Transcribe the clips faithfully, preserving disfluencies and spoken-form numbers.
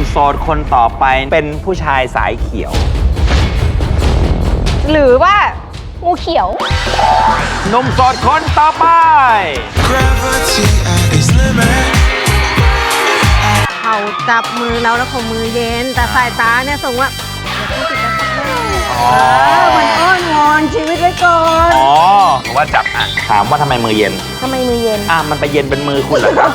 โสดคนต่อไปเป็นผู้ชายสายเขียวหรือว่างูเขียวหนุ่มโสดคนต่อไปเขาจับมือเราแล้วเขามือเย็นแต่สายตาเนี่ยส่งว่าเหมือนอ้อนวอนชีวิตไว้ก่อนอ๋อว่าจับอ่ะถามว่าทำไมมือเย็นทำไมมือเย็นอ่ะมันไปเย็นเป็นมือคุณเหรอครับ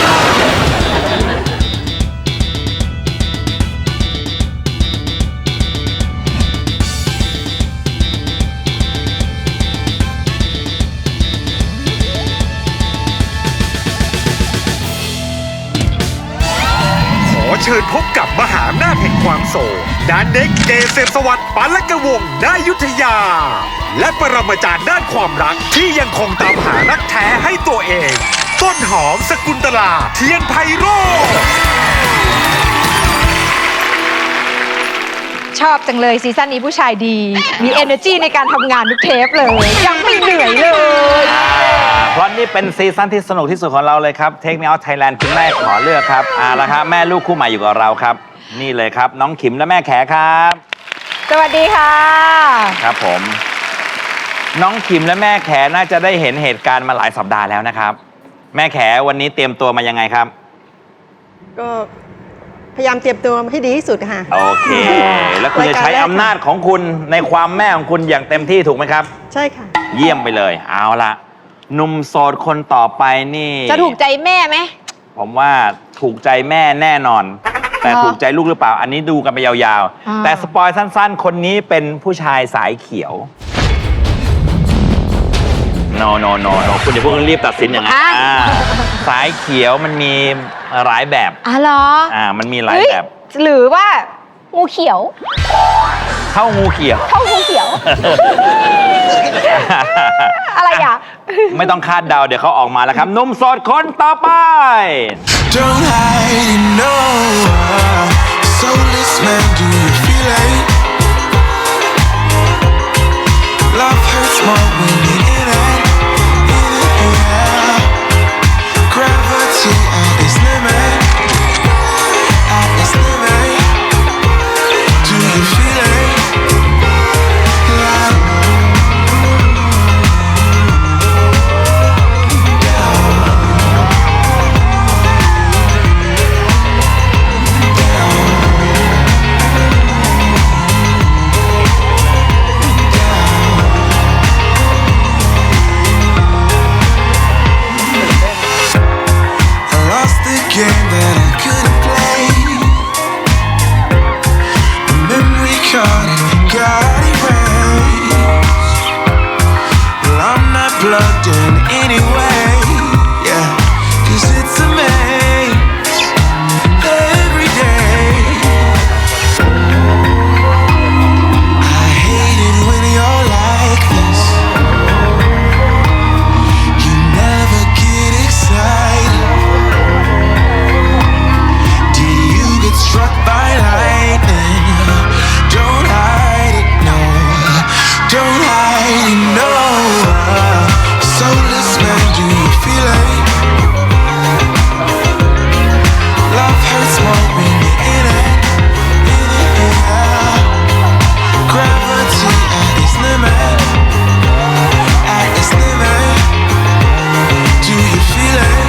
เชิญพบกับมหาอำนาจแห่งความโศกดานเด็กเกษมสวัสดิ์ปัลกวงศ์ณอยุธยาและปรมาจารย์ด้านความรักที่ยังคงตามหารักแท้ให้ตัวเองต้นหอมสกุลตลาเทียนไพโรจน์ชอบจังเลยซีซั่นนี้ผู้ชายดีมี energy ในการทำงานทุกเทปเลยยังไม่เหนื่อยเลยเพราะนี่เป็นซีซั่นที่สนุกที่สุดของเราเลยครับ Take Me Out Thailand คุณแม่ขอเลือกครับอ่าละครับแม่ลูกคู่ใหม่อยู่กับเราครับนี่เลยครับน้องขิมและแม่แขครับสวัสดีค่ะครับผมน้องขิมและแม่แขน่าจะได้เห็นเหตุการณ์มาหลายสัปดาห์แล้วนะครับแม่แขวันนี้เตรียมตัวมายังไงครับก็พยายามเตรียมตัวให้ดีที่สุดค่ะโอเคแล้วคุณจะใช้อำนาจของคุณในความแม่ของคุณอย่างเต็มที่ถูกไหมครับใช่ค่ะเยี่ยมไปเลยเอาละหนุ่มโสดคนต่อไปนี่จะถูกใจแม่ไหมผมว่าถูกใจแม่แน่นอนแต่ถูกใจลูกหรือเปล่าอันนี้ดูกันไปยาวๆแต่สปอยสั้นๆคนนี้เป็นผู้ชายสายเขียวโนโนโนโนคุณอย่าเพิ่งรีบตัดสินอย่างนั้นสายเขียวมันมีหลายแบบอ๋อเหรออ่ามันมีหลายแบบหรือว่างูเขียวเข้างูเขียวเข้างูเขียวอะไรอ่ะไม่ต้องคาดเดาเดี๋ยวเขาออกมาแล้วครับหนุ่มโสดคนต่อไป Don't hide no soulless man do you feel it Love hurts more when you're in it in it yeah Gravity at its limit at its limit Do you feel it game that I couldn't play The memory card and it got erased Well, I'm not plugged in anyway Yeah, cause it's a maze every day I hate it when you're like this You never get excited Struck by lightning Don't hide it, no Don't hide it, no Soulless man, do you feel it? Love hurts more when you're in it In it, yeah Gravity at its limit At its limit Do you feel it?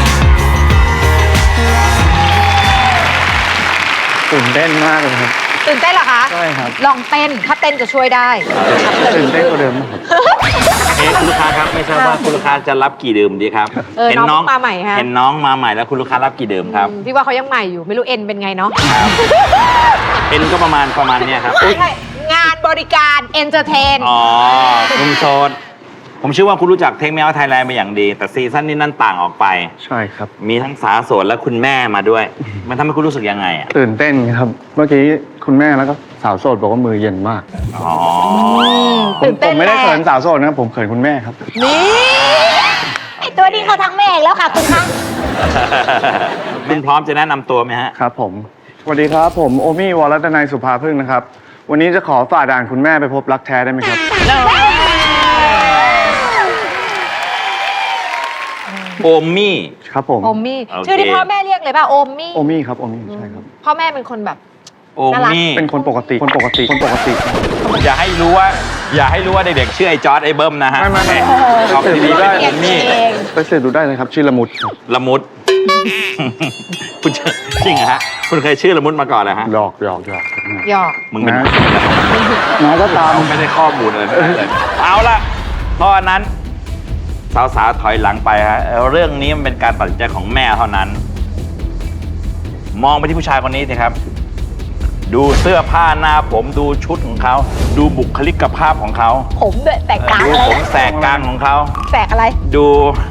ตื่นเต้นมากเลยครับตื่นเต้นเหรอคะใช่ครับลองเต้นถ้าเต้นจะช่วยได้ตื่นเต้นกว่าเดิมครับเอ๊ะคุณลูกค้าครับไม่ทราบว่าคุณลูกค้าจะรับกี่ดื่มดีครับเห็นน้องมาใหม่ฮะเห็นน้องมาใหม่แล้วคุณลูกค้ารับกี่ดื่มครับพี่ว่าเขายังใหม่อยู่ไม่รู้เอ็นเป็นไงเนาะเอ็นก็ประมาณประมาณเนี้ยครับงานบริการเอนเตอร์เทนอ๋อหนุ่มโสดผมเชื่อว่าคุณรู้จักTake Me Out Thailandเป็นอย่างดีแต่ซีซั่นนี้นั่นต่างออกไปใช่ครับมีทั้งสาวโสดและคุณแม่มาด้วยมันทำให้คุณรู้สึกยังไงอ่ะตื่นเต้นครับเมื่อกี้คุณแม่แล้วก็สาวโสดบอกว่ามือเย็นมากอ๋อผมผมไม่ได้เขินสาวโสดนะผมเขินคุณแม่ครับนี่ไอตัวนี้เขาทั้งแม่แล้วค่ะคุณคะคุณพร้อมจะแนะนำตัวไหมฮะครับผมสวัสดีครับผมโอมี่วรรัตนัยสุภาพึ่งนะครับวันนี้จะขอฝ่าด่านคุณแม่ไปพบรักแท้ได้ไหมครับโอมี่ครับผมโอมมี่โอเคชื่อที่พ่อแม่เรียกเลยป่ะโอมมี่โอมี่ครับโอมี่ใช่ครับพ่อแม่เป็นคนแบบโอมี่เป็นคนปกติคนปกติคนปกติอย่าให้รู้ว่า อย่าให้รู้ว่าเด็กๆชื่อไอ้จอร์ดไอ้เบิ้มนะฮะไม่ไม่ไม่ออกทีวีได้เปลี่โอยนมี่เองไปเสิร์ชดูได้เลยครับชื่อละมุดครับละมุด คุณชื่อจริงเหรอฮะคุณเคยชื่อละมุดมาก่อนเหรอฮะหยอกหยอกหยอกหยอกมึงเป็นนะ น้าก็ตามไม่ได้ข้อมูลเลยเลยเอาละเพราะฉะนั้นสาวๆถอยหลังไปฮะเรื่องนี้มันเป็นการตัดสินใจของแม่เท่านั้น มองไปที่ผู้ชายคนนี้สิครับ ดูเสื้อผ้าหน้าผมดูชุดของเขา ดูบุคลิกภาพของเขาผมด้วยแตกกลางดูอะไรผมนะแสกกลางของเขาแตกอะไรดู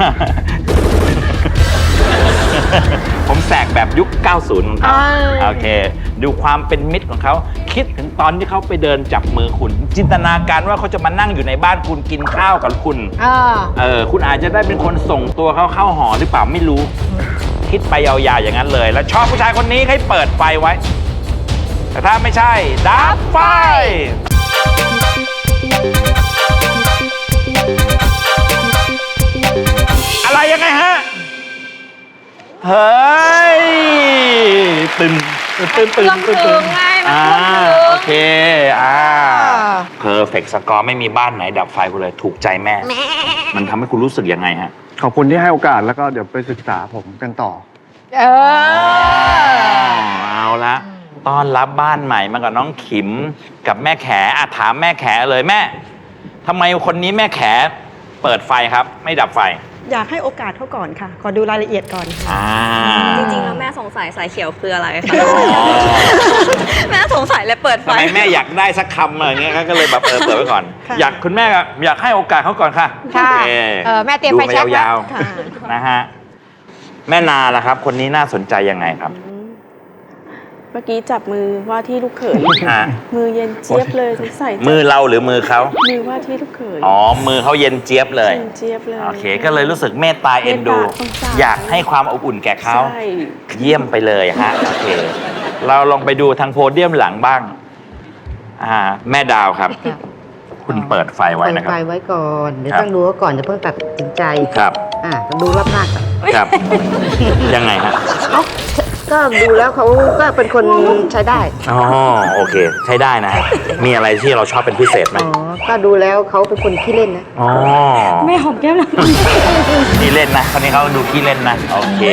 ผมแสกแบบยุค เก้าสิบ ของเขาอ่าโอเค ดูความเป็นมิตรของเขา คิดถึงตอนที่เขาไปเดินจับมือคุณ จินตนาการว่าเขาจะมานั่งอยู่ในบ้านคุณกินข้าวกับคุณอ่าเออ คุณอาจจะได้เป็นคนส่งตัวเขาเข้าหอหรือเปล่าไม่รู้ คิดไปยาวๆอย่างนั้นเลย แล้วชอบผู้ชายคนนี้ให้เปิดไฟไว้ แต่ถ้าไม่ใช่ ดับไฟ อะไรยังไงฮะ เฮ้ย ตึงตึงตึงตึงตึงเครื่องถึงไงมันอ่าเครื่องถึงโอเค อ่า เพอร์เฟกต์สกอร์ไม่มีบ้านไหนดับไฟคุณเลย ถูกใจแม่ มันทำให้คุณรู้สึกยังไงฮะขอบคุณที่ให้โอกาสแล้วก็เดี๋ยวไปศึกษาผมกันต่อเออเอาละต้อนรับบ้านใหม่มากับน้องขิมกับแม่แขอ่ะถามแม่แขเลยแม่ทำไมคนนี้แม่แขเปิดไฟครับ ไม่ดับไฟอยากให้โอกาสเขาก่อนค่ะ ขอดูรายละเอียดก่อนอ่าจริงๆ แล้วแม่สงสัยสายเขียวคืออะไรคะ แม่สงสัยเลยเปิดไฟทำไมแม่อยากได้สักคำอะไรเงี้ยก็เลยแบบเออเปิดไว้ก่อนค่ะอยากคุณแม่อยากให้โอกาสเขาก่อนค่ะค่ะโอเคเออแม่เตรียมดูไฟแช็กยาวค่ะๆนะฮะแม่นาล่ะครับ คนนี้น่าสนใจยังไงครับเมื่อกี้จับมือว่าที่ลูกเขยฮะมือเย็นเจี๊ยบเลยสงสัยมือเราหรือมือเขามือว่าที่ลูกเขยอ๋อมือเขาเย็นเจี๊ยบเลยเย็นเจี๊ยบเลยโอเค ก็เลยรู้สึกเมตตาเอ็นดูเมตตาสงสารอยากให้ความอบอุ่นแก่เขาใช่เยี่ยมไปเลยฮะ โอเค เราลองไปดูทางโพเดียมหลังบ้าง อ่า แม่ดาวครับ คุณเปิดไฟไว้เปิดนะครับไฟไว้ก่อน เดี๋ยวครับต้องดูเขาก่อนอย่าเพิ่งตัดสินใจครับอ่าต้องดูรอบหน้าก่อนครับ ยังไงฮะเอ้าก็ดูแล้วเขาก็เป็นคนใช้ได้อ๋อ โอเค ใช้ได้นะ มีอะไรที่เราชอบเป็นพิเศษไหมอ๋อ ก็ดูแล้วเขาเป็นคนขี้เล่นนะอ๋อแม่หอมแก้มนะขี้เล่นนะ คนนี้เขาดูขี้เล่นนะ โอเค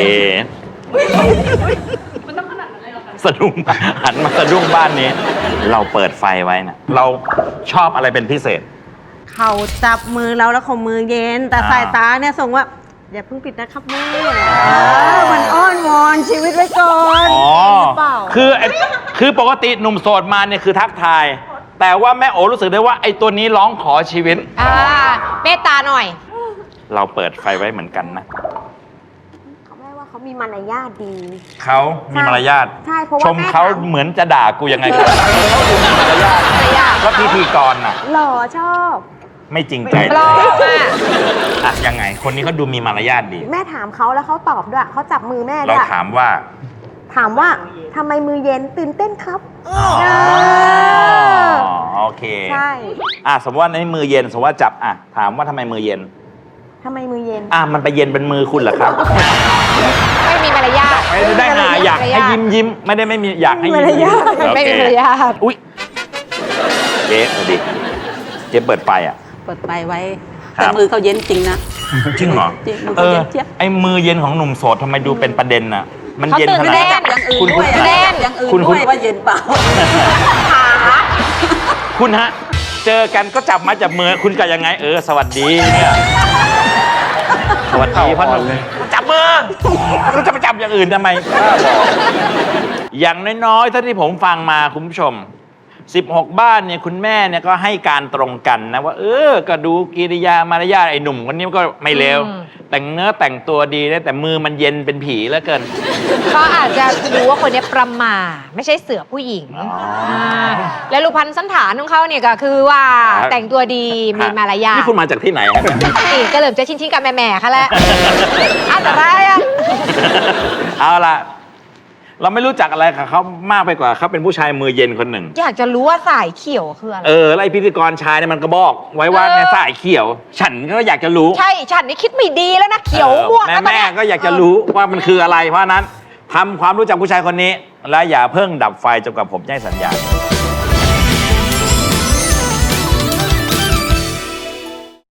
สะดุ้งหันมาสะดุ้งบ้านนี้ เราเปิดไฟไว้นะ เราชอบอะไรเป็นพิเศษเขาจับมือเราแล้วเขามือเย็น แต่อ่าสายตาเนี่ยส่งว่าอย่าเพิ่งปิดนะครับแม่เออมันอ้อนวอนชีวิตไว้ก่อนอ๋อหรือเปล่าคือไอ้คือปกติหนุ่มโสดมาเนี่ยคือทักทาย แต่ว่าแม่โอรู้สึกได้ว่าไอ้ตัวนี้ร้องขอชีวิตอ่า เมตตาหน่อยเราเปิดไฟไว้เหมือนกันนะแม่ว่าเขามีมารยาทดีเขามีมารยาทใช่เพราะว่าชมเขาแม่ถามเหมือนจะด่ากูยังไงกันเขาดูมีมารยาทแล้วพิธีกรน่ะหล่อชอบไม่จริงใจปลอมอ่ะอ่ะยังไง คนนี้เขาดูมีมารยาทดีแม่ถามเขาแล้วเขาตอบด้วยเขาจับมือแม่ด้เราวยถามว่าถามว่าทำไมมือเย็นตื่นเต้นครับอ๋อโอเคใช่อ่ะสมมติว่าในมือเย็นสมมติว่าจับอ่ะถามว่าทำไมมือเย็นทำไมมือเย็นอ่ะมันไปเย็นเป็นมือคุณเหรอครับไม่มีมารยาทไม่ได้หาอยากให้ยิ้มยิ้มไม่ได้ไม่มีอยากให้ยิ้มยิ้มไม่มีโอเคมารยาทอุ้ยเจ๊สวัสดีเจ๊เปิดไฟอ่ะเปิดไฟไว้ครับแต่มือเขาเย็นจริงนะจริงเหรอจริงมือเอเขาอเย็นเจี๊ยบไอ้มือเย็นของหนุ่มโสดทำไมดูเป็นประเด็นน่ะ มันเขาเย็นตื่นขนาดเต้ไหนนอย่างอื่นคุณด้วยคุณเล่นอย่างอื่นคุณด้คุวณยว่าเย็นเปล่าคุณฮะ เจอกันก็จับมาจับมือคุณกับยังไง เออ สวัสดีเนี่ยสวัสดีพ่อหนุ่มจับมือเราจะไปจับอย่างอื่นทำไมบ้าบอกอย่างน้อยๆถ้าที่ผมฟังมาคุณผู้ชมสิบหกบ้านเนี่ยคุณแม่เนี่ยก็ให้การตรงกันนะว่า เออ ก็ดูกิริยามารยาทไอ้หนุ่มคนนี้ก็ไม่เลวอืมแต่งเนื้อแต่งตัวดีนะแต่มือมันเย็นเป็นผีเหลือเกินเขาอาจจะรู้ว่าคนนี้ประมาทไม่ใช่เสือผู้หญิงอ๋ออ่าและรูปพันธ์สันฐานของเขาเนี่ยก็คือว่าครับแต่งตัวดีมีมารยาทนี่คุณมาจากที่ไหนครับเนี่ยนี่ก็เริ่มจะชิ้นๆกับแม่ๆเขาแล้วอันตรายอ่ะเอาล่ะเราไม่รู้จักอะไรกับเขามากไปกว่าเขาเป็นผู้ชายมือเย็นคนหนึ่งอยากจะรู้ว่าสายเขียวคืออะไรเออแล้วไอ้พิธีกรชายเนี่ยมันก็บอกไว้ว่าเออในสายเขียว ฉันก็อยากจะรู้ใช่ฉันนี่คิดไม่ดีแล้วนะเขียวม่วงแม่แล้วตอนแม่เนี้ยก็อยากจะรู้ว่ามันคืออะไรเพราะฉะนั้นทำความรู้จักผู้ชายคนนี้ และอย่าเพิ่งดับไฟจนกว่าผมจะให้สัญญาณ